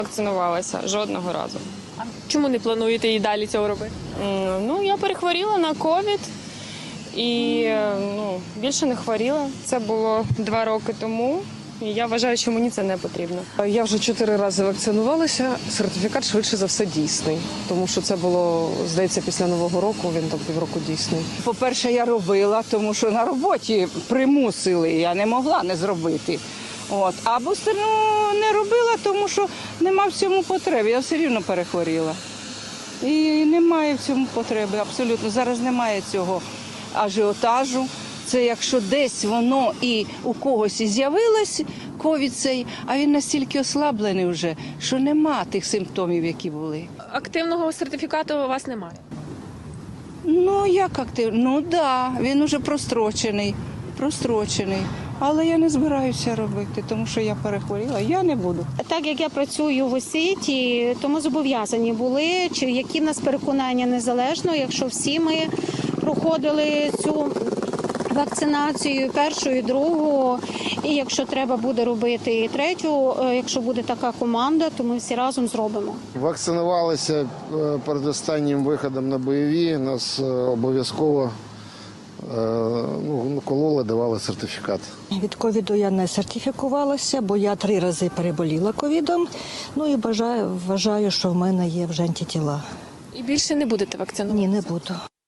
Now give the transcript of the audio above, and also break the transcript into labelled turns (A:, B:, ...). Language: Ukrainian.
A: Вакцинувалася жодного разу.
B: А чому не плануєте і далі цього робити?
A: Ну, я перехворіла на ковід і більше не хворіла. Це було 2 роки тому. І я вважаю, що мені це не потрібно.
C: Я вже 4 рази вакцинувалася, сертифікат швидше за все дійсний, тому що це було, здається, після Нового року, він там півроку дійсний.
D: По-перше, я робила, тому що на роботі примусили, я не могла не зробити. А бустерну не робила, тому що нема в цьому потреби, я все рівно перехворіла. І немає в цьому потреби, абсолютно. Зараз немає цього ажіотажу. Це якщо десь воно і у когось і з'явилось, ковід цей, а він настільки ослаблений вже, що нема тих симптомів, які були.
B: Активного сертифікату у вас немає?
D: Ну, як активно? Ну, так, він уже прострочений. Але я не збираюся робити, тому що я перехворіла, я не буду.
E: Так як я працюю в освіті, то ми зобов'язані були, чи які в нас переконання незалежно, якщо всі ми проходили цю вакцинацію, першу і другу, і якщо треба буде робити і третю, якщо буде така команда, то ми всі разом зробимо.
F: Вакцинувалися перед останнім виходом на бойові, нас обов'язково кололи, давали сертифікат.
G: Від ковіду я не сертифікувалася, бо я 3 рази переболіла ковідом. Ну і вважаю, що в мене є вже антитіла.
B: І більше не будете вакцинувати?
G: Ні, не буду.